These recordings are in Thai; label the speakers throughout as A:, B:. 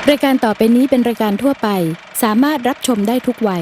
A: รายการต่อไปนี้เป็นรายการทั่วไปสามารถรับชมได้ทุกวัย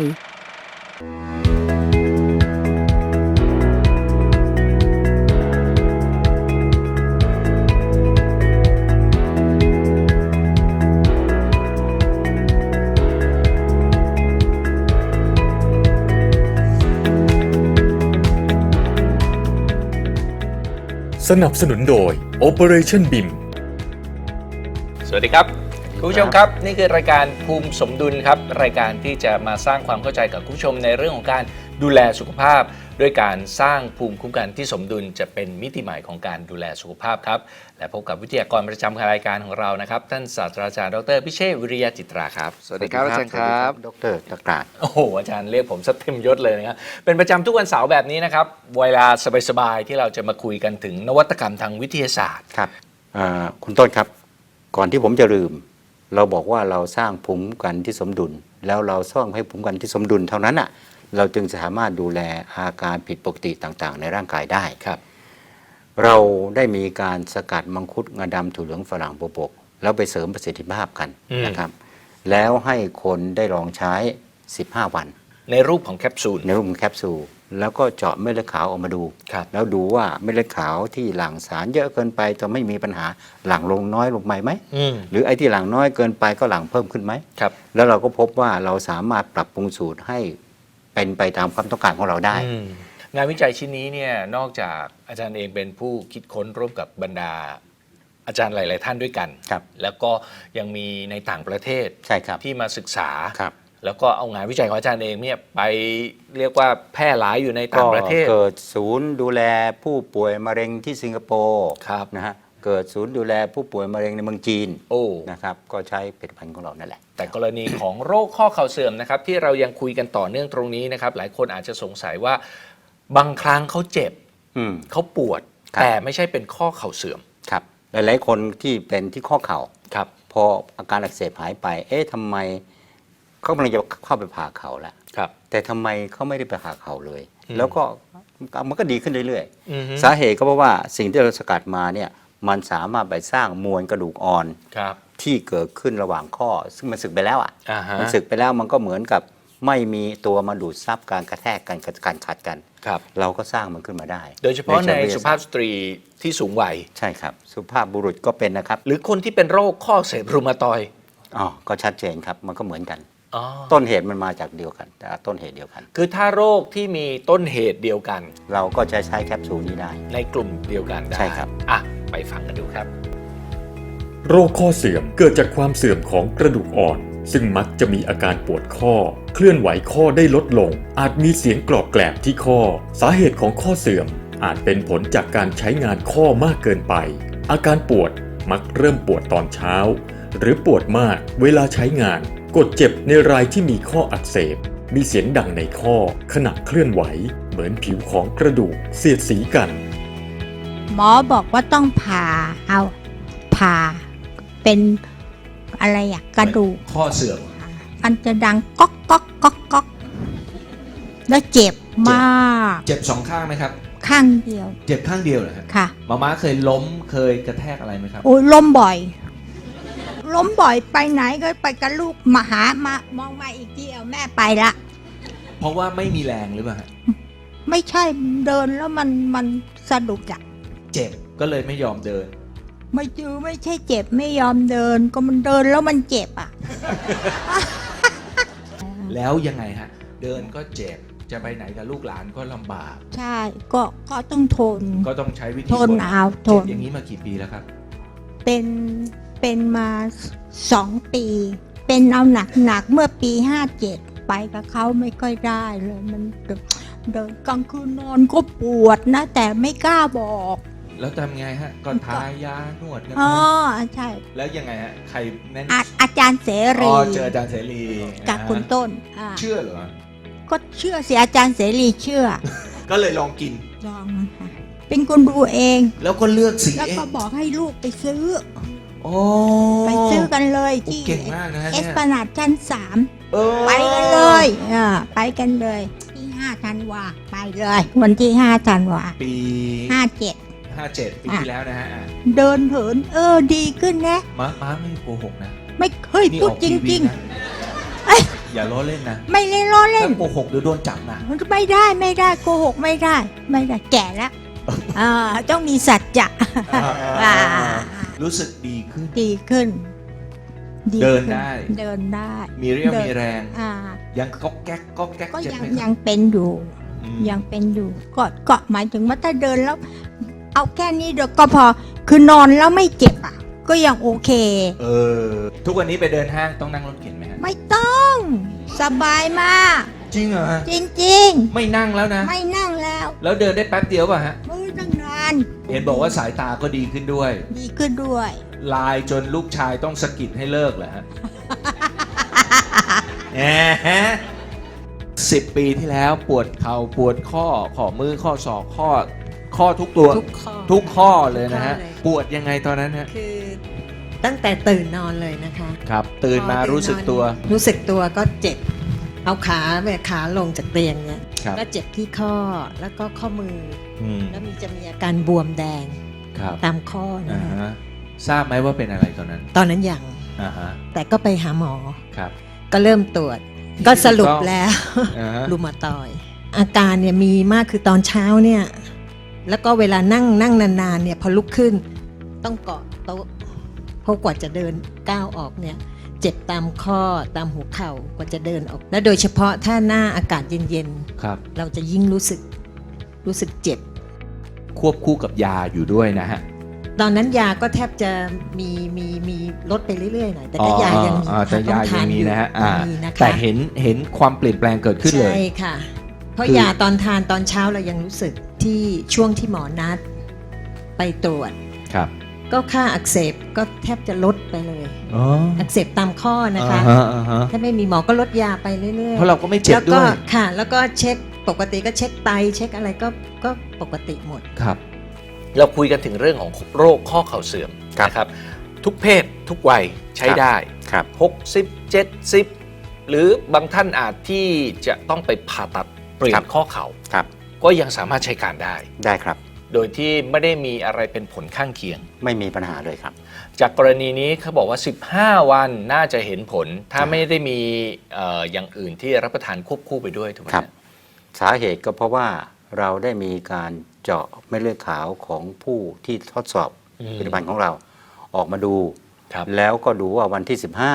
B: สนับสนุนโดย Operation BIM
C: สวัสดีครับคุณผู้ชมครับนี่คือรายการภูมิสมดุลครับรายการที่จะมาสร้างความเข้าใจกับคุณผู้ชมในเรื่องของการดูแลสุขภาพด้วยการสร้างภูมิคุ้มกันที่สมดุลจะเป็นมิติใหม่ของการดูแลสุขภาพครับและพบกับวิทยากรประจำรายการของเรานะครับท่านศาสตราจารย์ดร.พิเชษฐ์วิริยะจิตราครับสวัสดีครับอาจารย์ครับ
D: ดร.ตะกราด
C: โอ้โหอาจารย์เรียกผมซะเต็มยศเลยนะครับเป็นประจำทุกวันเสาร์แบบนี้นะครับเวลาสบายๆที่เราจะมาคุยกันถึงนวัตกรรมทางวิทยาศาสตร์
D: ครับคุณต้นครับก่อนที่ผมจะลืมเราบอกว่าเราสร้างภูมิคุ้มกันที่สมดุลแล้วเราสร้างให้ภูมิคุ้มกันที่สมดุลเท่านั้นอ่ะเราจึงสามารถดูแลอาการผิดปกติต่างๆในร่างกายได้
C: ครับ
D: เราได้มีการสกัดมังคุดงาดำถั่วเหลืองฝรั่งบวบแล้วไปเสริมประสิทธิภาพกันนะครับแล้วให้คนได้ลองใช้15วัน
C: ในรูปของแคปซูล
D: แล้วก็เจาะเม็ดเลือดขาวออกมาดูแล้วดูว่าเม็ดเลือดขาวที่หลั่งสารเยอะเกินไปจะไม่มีปัญหาหลั่งลงน้อยลงไหมหรือไอ้ที่หลั่งน้อยเกินไปก็หลั่งเพิ่มขึ้นไหมแล้วเราก็พบว่าเราสามารถปรับปรุงสูตรให้เป็นไปตามความต้องการของเราได้
C: งานวิจัยชิ้นนี้เนี่ยนอกจากอาจารย์เองเป็นผู้คิดค้นร่วมกับบรรดาอาจารย์หลายๆท่านด้วยกันแล้วก็ยังมีในต่างประเทศที่มาศึกษาแล้วก็เอางานวิจัยของอาจารย์เองเนี่ยไปเรียกว่าแพร่หลายอยู่ในต่างประเทศ
D: เกิดศูนย์ดูแลผู้ป่วยมะเร็งที่สิงคโปร์นะฮะเกิดศูนย์ดูแลผู้ป่วยมะเร็งในเมืองจีนนะครับก็ใช้ผลิตภัณฑ์ของเรานั่นแหละ
C: แต่กรณีของโรคข้อเข่าเสื่อมนะครับที่เรายังคุยกันต่อเนื่องตรงนี้นะครับหลายคนอาจจะสงสัยว่าบางครั้งเขาเจ็บเขาปวดแต่ไม่ใช่เป็นข้อเข่าเสื่อม
D: ครับหลายๆคนที่เป็นที่ข้อเข่าพออาการอักเสบหายไปทำไมเขากำลังจะเข้าไปผ่าเข่าแล้วแต่ทำไมเขาไม่ได้ไปผ่าเข่าเลยแล้วก็มันก็ดีขึ้นเรื่อยๆสาเหตุก็เพราะว่าสิ่งที่เราสกัดมาเนี่ยมันสามารถไปสร้างมวลกระดูกอ่อนที่เกิดขึ้นระหว่างข้อซึ่งมันสึกไปแล้วมันสึกไปแล้วมันก็เหมือนกับไม่มีตัวมาดูดซับการกระแทกกันการขัดกันเราก็สร้างมันขึ้นมาได้
C: โดยเฉพาะในสุภาพสตรีที่สูงวัย
D: ใช่ครับสุภาพบุรุษก็เป็นนะครับ
C: หรือคนที่เป็นโรคข้ออักเสบรูมาตอยด์
D: ก็ชัดเจนครับมันก็เหมือนกันต้นเหตุมันมาจากเดียวกันแต่ต้นเหตุเดียวกัน
C: คือถ้าโรคที่มีต้นเหตุเดียวกัน
D: เราก็จะใช้แคปซูลนี้ได้
C: ในกลุ่มเดียวกันได้
D: ใช่ครับ
C: ไปฟังกันดูครับ
B: โรคข้อเสื่อมเกิดจากความเสื่อมของกระดูกอ่อนซึ่งมักจะมีอาการปวดข้อเคลื่อนไหวข้อได้ลดลงอาจมีเสียงกรอบแกรบที่ข้อสาเหตุของข้อเสื่อมอาจเป็นผลจากการใช้งานข้อมากเกินไปอาการปวดมักเริ่มปวดตอนเช้าหรือปวดมากเวลาใช้งานกดเจ็บในรายที่มีข้ออักเสบมีเสียงดังในข้อขณะเคลื่อนไหวเหมือนผิวของกระดูกเสียดสีกัน
E: หมอบอกว่าต้องผ่าเป็นอะไรกระดูก
C: ข้อเสื่อม
E: มันจะดังก๊อกก๊อกก๊อกก๊อกแล้วเจ็บมาก
C: เจ็บสองข้างไหมครับ
E: ข้างเดียว
C: เจ็บข้างเดียวเหรอครับ
E: ค่ะ
C: ม้าเคยล้มเคยกระแทกอะไรไหมครับ
E: โอ้ยล้มบ่อยไปไหนก็ไปกับลูกมามองมาอีกทีเอาแม่ไปละ
C: เพราะว่าไม่มีแรงหรือเปล่า
E: ไม่ใช่เดินแล้วมันสะดุด
C: เจ็บก็เลยไม่ยอมเดิน
E: ไม่ใช่เจ็บไม่ยอมเดินก็มันเดินแล้วมันเจ็บ
C: แล้วยังไงฮะเดินก็เจ็บจะไปไหนกับลูกหลานก็ลำบาก
E: ใช่ก็ต้องทน
C: ก็ต้องใช้วิธี
E: ทน
C: อย่างนี้มากี่ปีแล้วครับ
E: เป็นมา2 ปีเป็นเอาหนักเมื่อปี57ไปกับเขาไม่ค่อยได้เลยมันเดินกลางคืนนอนก็ปวดนะแต่ไม่กล้าบอก
C: แล้วทำไงฮะก็ทายานวดกัน
E: ใช่
C: แล้วยังไงฮะใครแนะน
E: ำอาจารย์เสรี
C: เจออาจารย์เสรี
E: กับคุณต้น
C: เชื่อเหรอ
E: ก็เชื่อสิอาจารย์เสรีเชื่อ
C: ก็เลยลองกิน
E: เป็นคนดูเอง
C: แล้วก็เลือกสี
E: แล้วก็บอกให้ลูกไปซื้อ
C: ไป
E: ซื้อกันเลยที่เอสพลานาดชั้น3ไปกันเลยไปกันเลยที่5 ธันวาไปเลยวันที่5 ธันวาปี57
C: 57 ปีที่แล้วนะฮะ
E: เดินเหินดีขึ้นนะ
C: ม้าไม่โกหกนะ
E: ไม่เคย
C: นี่
E: พู
C: อ
E: ด
C: อก
E: จ
C: ทีวี
E: ริง
C: นะ อย่าล้อเล่นนะ
E: ๆ ไม่เล่นล้อเล่
C: ถ้าน โกหกเดี๋ยวโดนจับนะ
E: ไม่ได้โกหกไม่ได้แก่แล้วต้องมีสัจจะ อ่า
C: รู้สึกดีขึ้น
E: ดีขึ้น
C: เดินได้
E: เดินได้
C: มีเรี่ยวมีแรง
E: อ่า
C: ยังก๊อกแก๊กก๊อกแก๊ก
E: ก็
C: เจ็บ
E: ยัง
C: ไหมครับ
E: ยังเป็นอยู่
C: อืม
E: ยังเป็นอยู่ก็หมายถึงว่าถ้าเดินแล้ว เอาแค่นี้เดี๋ยวก็พอคือนอนแล้วไม่เจ็บก็ยังโอเค
C: ทุกวันนี้ไปเดินห้างต้องนั่งรถเข็นไหมฮะ
E: ไม่ต้องสบายมาก
C: จริงเหรอฮะ
E: จริง
C: ไม่นั่งแล้วนะ
E: ๆ ไม่นั่งแล้ว
C: แล้วเดินได้แป๊บเดียวป่ะฮะ
E: มือตั้งนาน
C: เห็นบอกว่าสายตาก็ดีขึ้นด้วย
E: ดีขึ้นด้วย
C: ลายจนลูกชายต้องสะกิดให้เลิกเหรอฮะ 10 ปีที่แล้วปวดเข่าปวดข้อมือข้อศอกข้อทุกตัว
F: ทุกข้อ
C: ทุกข้อเลยนะฮะ
F: ทุกข้อเลย
C: ปวดยังไงตอนนั้นฮะ
F: คือตั้งแต่ตื่นนอนเลยนะคะ
C: ครับ ตื่นมา
F: พอ
C: รู้สึกตัว
F: รู้สึกตัวก็เจ็บ เอาขาลงจากเตียงเนี่ย
C: ครับ
F: ก็เจ็บที่ข้อแล้วก็ข้อมือ
C: อืม
F: แล้วจะมีอาการบวมแดง
C: ครับ
F: ตามข้อนะ
C: อ่า
F: คะ
C: ฮะทราบไหมว่าเป็นอะไรตอนนั้น
F: ตอนนั้นยัง
C: อ่าฮะ
F: แต่ก็ไปหาหมอ
C: ครับ
F: ก็เริ่มตรวจ ก็สรุปแล้ว
C: อ่าฮะ
F: รูมาตอยด์อาการเนี่ยมีมากคือตอนเช้าเนี่ย แล้วก็เวลานั่งนานๆเนี่ยพอลุกขึ้นต้องเกาะโต๊ะเพราะกว่าจะเดินก้าวออกเนี่ย เจ็บตามข้อตามหัวเข่ากว่าจะเดินออก และโดยเฉพาะถ้าหน้าอากาศเย็น
C: ครับ
F: ๆ เราจะยิ่งรู้สึกเจ็บ
C: ควบคู่กับยาอยู่ด้วยนะฮะ
F: ตอนนั้นยาก็แทบจะมีลดไปเรื่อยๆหน่อยแต่ก็ยายังมี
C: แต่ยายังมีนะฮะ
F: มีนะคะ
C: แต่เห็นความเปลี่ยนแปลงเกิดขึ้นเลย
F: ใช่ค่ะ เพราะ
C: คือ
F: ยาตอนทานตอนเช้าเรายังรู้สึกที่ช่วงที่หมอนัดไปตรวจ
C: ครับ
F: ก็ค่าอักเสบก็แทบจะลดไปเลย
C: อ๋อ
F: อักเสบตามข้อนะคะ
C: อ่าฮะ
F: ถ้าไม่มีหมอก็ลดยาไปเรื่อยๆ
C: เพราะเราก็ไม่เจ็บ
F: แล้ว
C: ด้
F: ก็
C: วย
F: ค่ะ แล้วก็เช็คปกติก็เช็คไตเช็คอะไรก็ปกติหมด
C: ครับ
G: เราคุยกันถึงเรื่องของโรคข้อเข่าเสื่อม
D: ครับ
G: นะครับ ทุกเพศทุกวัยใช้ได้
D: ครับ
G: 60 70 หรือบางท่านอาจที่จะต้องไปผ่าตัดเปลี่ย
D: ครั
G: น
D: บ
G: ข้อเข่า
D: ครับ
G: ก็ยังสามารถใช้การได้
D: ได้ครับ
G: โดยที่ไม่ได้มีอะไรเป็นผลข้างเคียง
D: ไม่มีปัญหาเลยครับ
G: จากกรณีนี้เขาบอกว่า 15 วันน่าจะเห็นผล ถ้าไม่ได้มีอย่างอื่นที่รับประทานควบคู่ไปด้วยถูกไหม
D: ครับ สาเหตุก็เพราะว่าเราได้มีการเจาะเม็ดเลือดขาวของผู้ที่ทดสอบผลิตภัณฑ์ของเราออกมาดู
G: ครับ
D: แล้วก็ดูว่าวันที่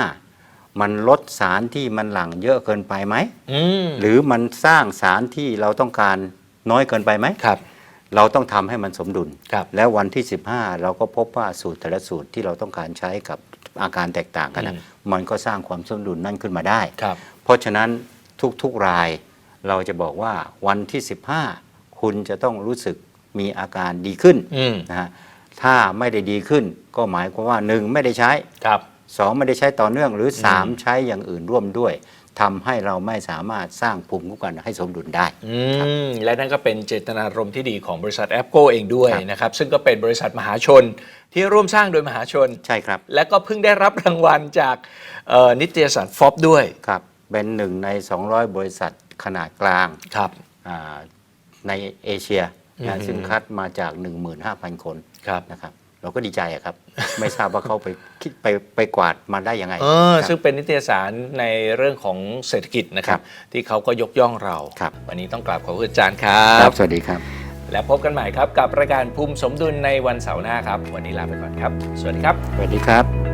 D: 15 มันลดสารที่มันหลั่งเยอะเกินไปไหม
G: อืม
D: หรือมันสร้างสารที่เราต้องการน้อยเกินไปไหม
G: ครับ
D: เราต้องทำให้มันสมดุล
G: ครับ
D: แล้ววันที่ 15 เราก็พบว่าสูตรแต่ละสูตรที่เราต้องการใช้กับอาการแตกต่างกันนะมันก็สร้างความสมดุลนั่นขึ้นมาได้
G: ครับ
D: เพราะฉะนั้นทุกๆรายเราจะบอกว่าวันที่ 15 คุณจะต้องรู้สึกมีอาการดีขึ้น
G: อืม
D: นะฮะถ้าไม่ได้ดีขึ้นก็หมายความว่า 1 ไม่ได้ใช้
G: ครับ
D: 2 ไม่ได้ใช้ต่อเนื่องหรือ 3 ใช้อย่างอื่นร่วมด้วยทำให้เราไม่สามารถสร้างภูมิคุ้มกันให้สมดุลได้
G: และนั่นก็เป็นเจตนารมณ์ที่ดีของบริษัทแอปโกเองด้วย
D: ครับ
G: นะครับ ซึ่งก็เป็นบริษัทมหาชนที่ร่วมสร้างโดยมหาชน
D: ใช่ครับ
G: และก็เพิ่งได้รับรางวัลจากนิตยสารฟอบด้วย
D: ครับเป็นหนึ่งใน 200 บริษัทขนาดกลาง
G: ครับ
D: อ่าในเอเชีย
G: อื
D: นะ
G: ม
D: ซึ่งคัดมาจาก 15,000 คน
G: ครับ
D: นะครับเราก็ดีใจอะครับ ไม่ทราบว่าเขาไปกวาดมาได้ยังไง ครับ
G: ซึ่งเป็นนิตยสารในเรื่องของเศรษฐกิจนะครับ ที่เขาก็ยกย่องเรา
D: ครับ
G: วันนี้ต้องกราบขอบคุณอาจารย์ครั
D: ครับ บสวัสดีครับ
G: และพบกันใหม่ครับกับรายการภูมิสมดุลในวันเสาร์หน้าครับ วันนี้ลาไปก่อนครับ สวัสดีครับ
D: สวัสดีครับ